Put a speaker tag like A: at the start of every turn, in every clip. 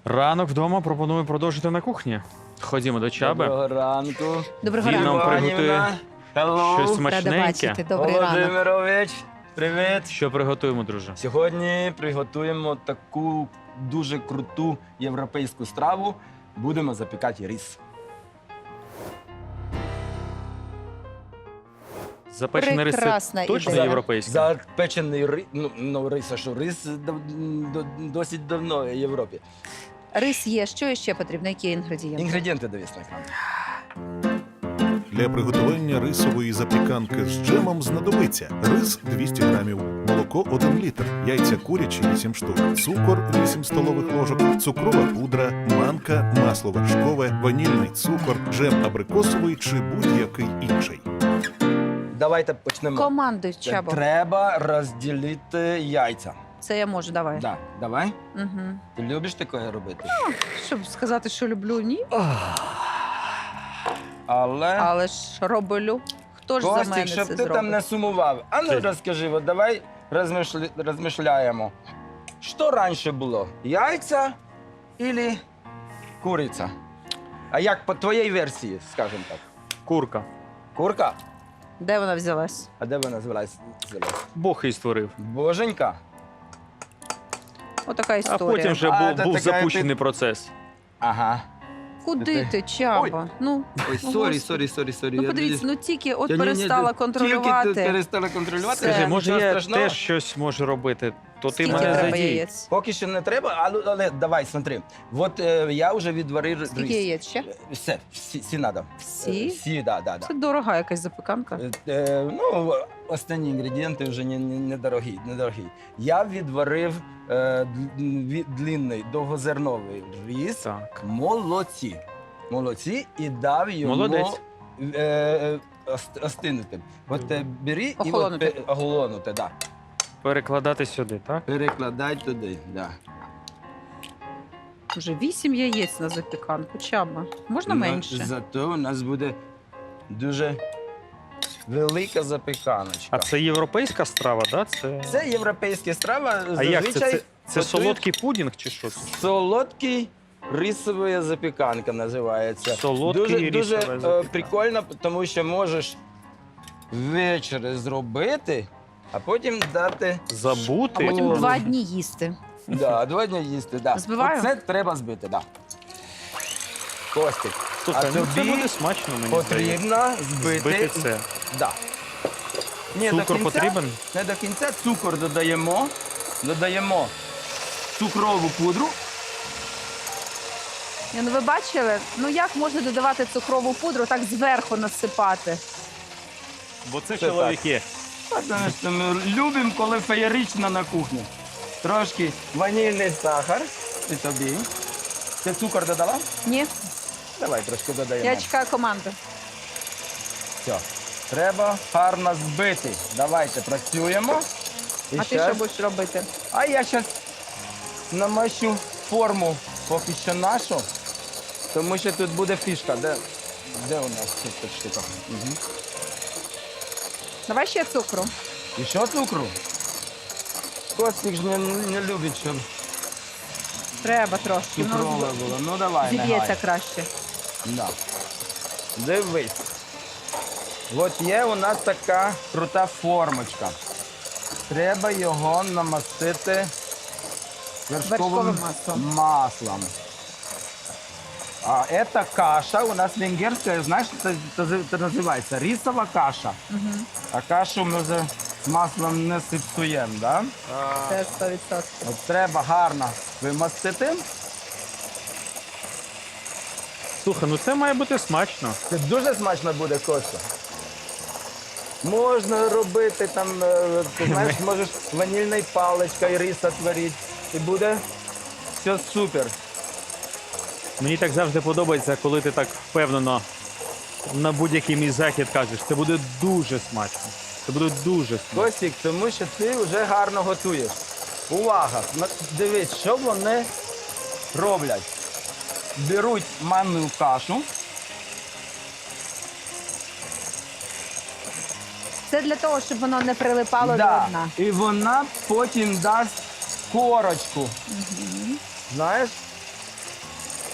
A: Ранок вдома пропоную продовжити на кухні. Ходімо до Чаби.
B: Доброго ранку.
C: Доброго
A: Він
C: ранку.
A: нам приготує
B: Hello.
A: щось
C: Рада
A: смачненьке.
C: бачити. Добрий ранок.
B: Володимирович, привіт.
A: Що приготуємо, друже?
B: Сьогодні приготуємо таку дуже круту європейську страву. Будемо запікати рис.
A: Запечений рис
C: Прекрасна
A: це точно
C: ідея.
A: європейський?
B: Запечений рис, рис, а що рис досить давно в Європі.
C: Рис є. Що ще потрібно? Які інгредієнти?
B: Інгредієнти дивись на екран.
D: Для приготування рисової запіканки з джемом знадобиться рис 200 грамів, молоко 1 літр, яйця курячі 8 штук, цукор 8 столових ложок, цукрова пудра, манка, масло вершкове, ванільний цукор, джем абрикосовий чи будь-який інший.
B: Давайте почнемо.
C: Командуй, Чабо.
B: Треба розділити яйця.
C: Це я можу, давай.
B: Да, давай.
C: Угу.
B: Ти любиш таке робити?
C: Щоб сказати, що люблю, ні.
B: Але...
C: Але ж роблю. Хто ж за
B: Костік,
C: мене
B: щоб
C: це
B: ти
C: зробить?
B: там не сумував. А ну
A: Ти.
B: розкажи, от давай розмишляємо. Що раніше було? Яйця или куриця? А як по твоїй версії, скажімо так?
A: Курка.
B: Курка?
C: Де вона взялась?
B: А де вона звелась?
A: Бог її створив.
B: Боженька?
C: Отака
A: А
C: історія.
A: потім вже
B: А,
A: був
B: це така
A: запущений процес.
B: Ага.
C: Куди ти, Чаба? Ну,
B: Ой,
C: Господи.
B: сорі.
C: Ну подивіться, ну тільки от
B: Я ні-ні,
C: перестала
B: Тільки
C: контролювати.
B: ти перестала контролювати.
C: Все.
A: Скажи, може
B: нічого
A: я
B: страшного.
A: теж щось можу робити, то ти
C: Скільки
A: мене
C: треба
A: задій.
C: яєць?
B: Поки що не треба, але давай, смотри. От я вже відварив рис.
C: Скільки яєць ще?
B: Всі надо.
C: Всі?
B: Всі, да.
C: Це дорога якась запіканка.
B: Ну, останні інгредієнти вже недорогі. Я відварив длинний, довгозерновий рис.
A: Так.
B: Молодці і дав йому
A: Молодець.
B: остинути. От бери
C: Охолонути.
B: і охолонути, да.
A: Перекладати сюди, так?
B: Перекладай туди, да.
C: Вже 8 яєць на запіканку. Чаба. Можна менше?
B: Зато у нас буде дуже велика запіканочка.
A: А це європейська страва, так?
B: Це європейська страва.
A: А як це?
B: зазвичай
A: Це
B: готують
A: солодкий пудінг чи що це?
B: Солодкий рисова запіканка називається.
A: Солодкий
B: дуже
A: рисова запіканка.
B: прикольно, тому що можеш ввечері зробити, а потім дати.
A: Забути.
C: А потім
B: О.
C: 2 дні їсти.
B: Да, 2 дні їсти. Да.
C: Збиваю?
B: Оце треба збити, да. Костик,
A: Слухай,
B: а
A: ну це
B: тобі
A: буде смачно, мені здається.
B: потрібно збити.
A: Збити це.
B: Да. Ні,
A: Цукор
B: до кінця,
A: потрібен?
B: Не до кінця цукор додаємо. Додаємо цукрову пудру.
C: Ну ви бачили? Ну як можна додавати цукрову пудру, так зверху насипати?
A: Бо це
B: Це
A: чоловіки.
B: Тому що ми любимо, коли феєрично на кухні. Трошки ванільний сахар. І тобі. Ти цукор додала?
C: Ні?
B: Давай трошки додаємо.
C: Я чекаю команду.
B: Все. Треба гарно збити. Давайте працюємо. І
C: А ти що будеш робити?
B: А я зараз намащу форму поки що нашу, тому що тут буде фішка. Де у нас тут ця штука? Угу.
C: Давай ще цукру.
B: І що цукру? Костик ж не любить, щоб
C: Треба трошки.
B: цукрове було. Ну давай, не
C: Зіб'ється
B: гай.
C: краще.
B: Да. Дивись. От є у нас така крута формочка. Треба його намастити вершковим
C: Вершковим маслом.
B: маслом. А эта каша у нас венгерская, знаешь, это называется рисова каша.
C: Угу.
B: А кашу ми вже з маслом не сипсуємо, да?
C: Це 100%.
B: От треба гарно вимастити.
A: Слухай, ну це має бути смачно.
B: Це дуже смачно буде, Костя. Можна робити там, ти знаєш, можеш ванільною паличкою рис отварити. І буде все супер.
A: Мені так завжди подобається, коли ти так впевнено на будь-який мій захід кажеш. Це буде дуже смачно. Це буде дуже смачно.
B: Костік, тому що ти вже гарно готуєш. Увага! Дивись, що вони роблять. Беруть манну кашу.
C: Це для того, щоб воно не прилипало до
B: Да.
C: дна.
B: І вона потім дасть корочку. Знаєш?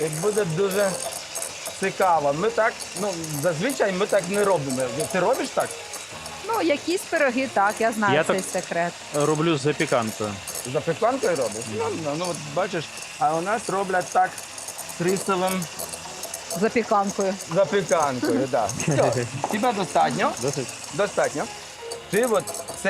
B: І буде дуже цікаво. Ми так, зазвичай ми так не робимо. Ти робиш так?
C: Ну, якісь пироги, так, я знаю
A: Я
C: цей
A: так-
C: секрет.
A: Роблю з запіканкою.
B: Запіканкою робиш? Ну, от бачиш, а у нас роблять так з рисовим
C: Запіканкою.
B: запіканкою. Да. Все, тебе достатньо.
A: Досить?
B: Достатньо. Ти от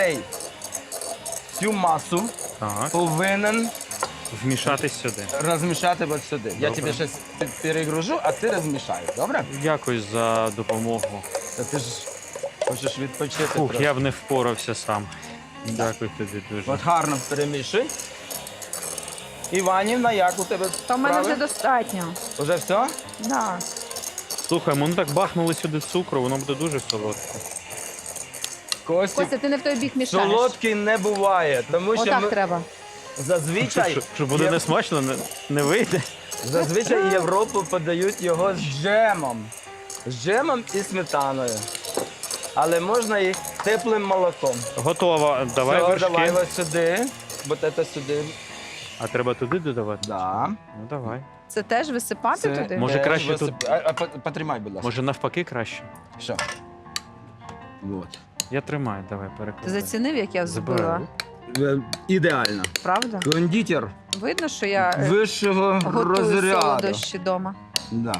B: цю масу
A: Так.
B: повинен
A: Вмішатись сюди.
B: розмішати от сюди. Я
A: Добре.
B: тобі щось перегружу, а ти розмішаєш, добре?
A: Дякую за допомогу.
B: Та ти ж хочеш відпочити.
A: Фух,
B: трохи.
A: я б не впорався сам. Дякую тобі дуже.
B: От гарно перемішуй. Іванівна, як у тебе
C: То в мене вже
B: справи?
C: достатньо.
B: Уже все?
C: Да.
A: Слухай, ми так бахнули сюди цукру, воно буде дуже солодке.
B: Костік,
C: Костя, ти не в той бік мішаєш.
B: солодкий не буває, тому що
C: Отак
B: ми
C: треба.
B: зазвичай,
A: Що буде несмачно, не вийде.
B: зазвичай Європу подають його з джемом. З джемом і сметаною. Але можна і теплим молоком.
A: Готово. Давай
B: Все,
A: вершки.
B: давай ось сюди. Бо це сюди.
A: А треба туди додавати?
B: Да.
A: Ну давай.
C: Це теж висипати
B: Це
C: туди?
A: Може,
B: теж
A: краще тут-
B: Потримай, будь ласка.
A: Може навпаки краще?
B: Що? Вот.
A: Я тримаю, давай
C: Ти
A: перекладай.
C: зацінив, як я взбила?
A: Забираю.
B: Ідеально.
C: Правда?
B: Кондитер
C: Видно, що я
B: вищого
C: готую
B: розряду.
C: солодощі вдома.
B: Да.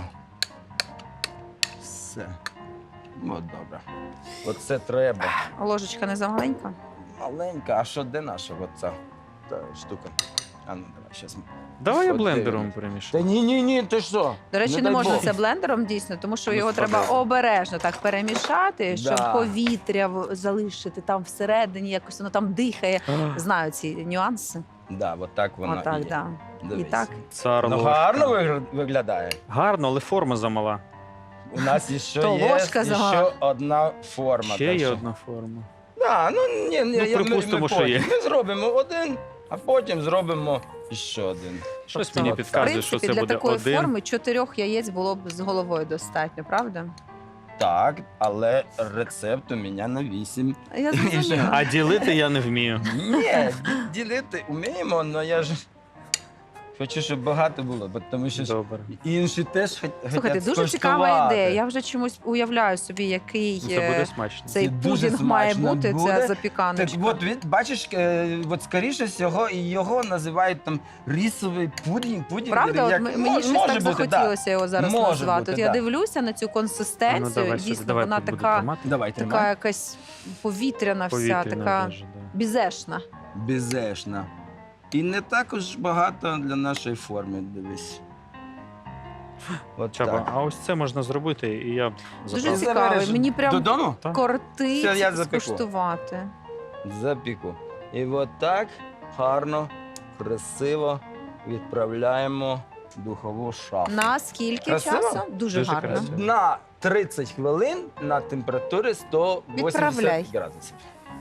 B: Все. От добре. Оце треба.
C: Ложечка не замаленька?
B: Маленька, а що де наша оця та штука? А ну давай, щас.
A: Давай я
B: От
A: блендером
B: дивись.
A: перемішаю.
B: Та ні, ти що?
C: До речі, не
B: дай
C: можна
B: Бог.
C: це блендером дійсно, тому що
A: Ну,
C: його
A: впаде.
C: треба обережно так перемішати, щоб
B: Да.
C: повітря залишити там всередині, якось воно там дихає. Знаю ці нюанси.
B: Да, от так воно
C: Отак,
B: і є.
C: да. І
B: Дивись.
C: так.
A: Цар
B: Ну
A: ложка.
B: гарно виглядає.
A: Гарно, але форма замала.
B: У нас ще
C: То
B: є
C: ложка
B: ще
C: замала.
B: одна форма.
A: Ще
B: так
A: є
B: що-
A: одна форма.
B: Да,
A: припустимо,
B: ми
A: що
B: потім.
A: є.
B: Ми зробимо один, а потім зробимо ще один.
A: Щось
C: Тобто,
A: мені
C: в
A: підказує, що
C: принципі,
A: це
C: для
A: буде
C: такої
A: один.
C: форми 4 яєць було б з головою достатньо, правда?
B: Так, але рецепт у мене на 8.
C: Я
B: ще-
C: зрозуміла.
A: А ділити я не вмію.
B: Ні, ділити вміємо, але я ж хочу, щоб багато було, бо тому що ж
A: Добре.
B: інші теж
C: Слухайте,
B: хотять
C: дуже цікава
B: скуштувати.
C: ідея. Я вже чомусь уявляю собі, який
A: Це буде смачно.
C: цей
B: Це дуже
C: пудінг має
B: смачно
C: бути,
B: буде.
C: ця
B: Так
C: запіканочка.
B: от, бачиш, от скоріше всього, його називають там рисовий пудінг.
C: Правда, от
B: як,
C: мені щось
B: може
C: так
B: бути,
C: захотілося його зараз
B: Може
C: назвати.
B: бути,
C: От я
B: да.
C: дивлюся на цю
A: А ну,
C: консистенцію,
A: давай
C: дійсно,
A: сюди, давай
C: вона
A: тут буду
C: така,
A: тримати.
B: Давай,
C: така
B: тримай.
C: якась повітряна вся,
A: Повітряна
C: така
A: даже, да.
C: бізешна.
B: Безешна. І не також багато для нашої форми, дивись. От
A: Чаба,
B: так.
A: а ось це можна зробити, і я б
C: Дуже
A: забрав.
C: цікаво.
B: Забереш
C: Мені прям
B: Додому?
A: Так.
C: кортить
B: Все, я запеку.
C: скуштувати.
B: Запіку. І от так гарно, красиво відправляємо в духову шафу.
C: На скільки
B: Красиво?
C: часу? Дуже
A: Дуже
C: гарно.
A: красиво.
B: На 30 хвилин на температурі 180
C: Відправляй.
B: градусів.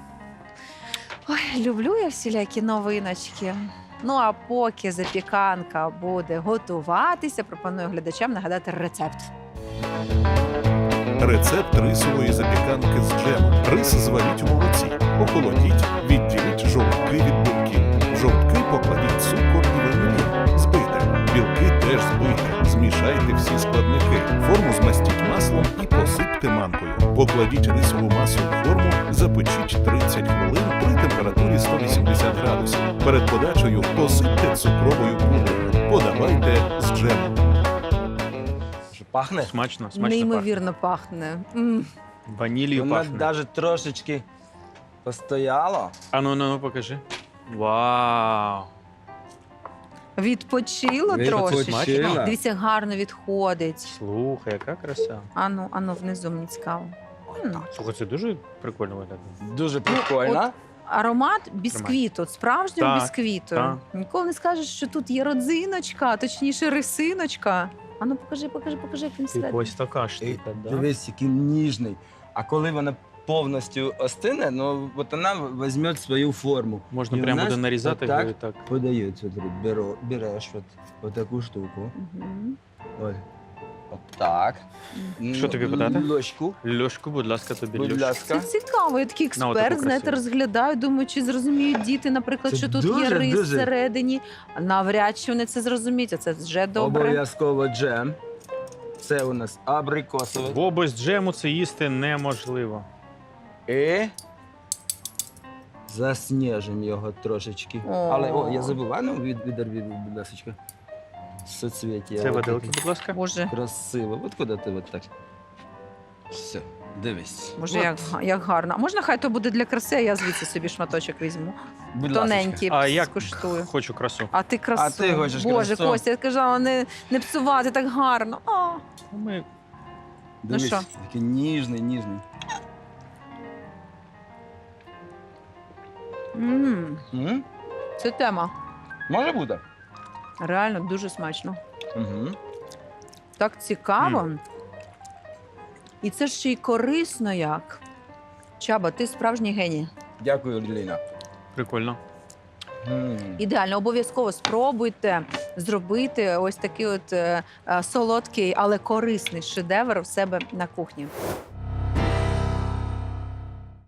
C: Ой, люблю я всілякі новиночки. Ну а поки запіканка буде готуватися, пропоную глядачам нагадати рецепт.
D: Рецепт рисової запіканки з джемом. Рис зваріть у молоці. Охолодіть, відділіть жовтки від білків. В жовтки покладіть цукор і ванілін. Збийте. Білки теж збийте. Змішайте всі складники. Форму змастіть маслом і посипте манкою. Покладіть рисову масу в форму, запечіть 30 хвилин при температурі 180 градусів. Перед подачею посипте цукровою пудрою. Подавайте з джемом.
B: Що, пахне?
A: Смачно, смачно
C: Неймовірно пахне. М.
A: пахне. Ванілью
B: Вона
A: пахне.
B: навіть трошечки постояла.
A: А ну, покажи. Вау!
C: Відпочило трошки.
B: Відпочила.
C: Дивіться, як гарно відходить.
A: Слухай, яка краса.
C: Ану, внизу мені цікаво. М.
A: Слухай, це дуже прикольно виглядає.
B: Дуже прикольно.
C: Аромат бісквіту, справжнього
A: Так,
C: бісквіту.
A: так.
C: Ніколи не скажеш, що тут є родзиночка, точніше рисиночка. Ану, покажи, як він всередині.
A: Ось така
B: І
A: штука, да?
B: дивись, який ніжний. А коли вона повністю остине, ну от вона візьме свою форму.
A: Можна
B: І у
A: прямо
B: нас
A: буде нарізати
B: отак
A: його і так.
B: Подають, береш от таку штуку.
C: Мгм.
B: От. Так.
A: Що тобі подати?
B: Ложку,
A: Льошку, будь ласка, тобі
B: будь
A: льошку.
B: ласка.
C: Це цікаво. Я такий
A: На, отаку
C: експерт, знаєте,
A: красиву.
C: розглядаю, думаю, чи зрозуміють діти, наприклад,
B: Це
C: що тут є
B: дуже,
C: рис
B: дуже.
C: всередині. Навряд чи вони це зрозуміють, а це вже добре.
B: Обов'язково джем. Це у нас абрикосовий.
A: Бо без джему це їсти неможливо.
B: І засніжимо його трошечки.
C: О.
B: Але, я забув, а ну відерві, будь ласка. Соцвіття.
A: Це
B: От
A: виделки,
B: таке.
A: будь ласка.
C: Боже,
B: Красиво. От куди ти от так? Все, дивись.
C: Боже,
B: От,
C: як гарно. А можна хай то буде для краси, а я звідси собі шматочок візьму.
B: будь ласка.
C: Тоненький,
A: А як
C: скуштую.
A: хочу красу.
C: А ти красу.
B: А ти хочеш
C: Боже,
B: красу.
C: Костя, я казала, не псувати так гарно. А.
A: Ми
B: Дивись,
C: що?
B: такий ніжний, ніжний. М?
C: Це тема.
B: Може бути?
C: Реально дуже смачно.
B: Угу.
C: Так цікаво. І це ще й корисно як. Чаба, ти справжній геній.
B: Дякую, Ліна.
A: прикольно.
C: Ідеально, обов'язково спробуйте зробити ось такий от солодкий, але корисний шедевр в себе на кухні.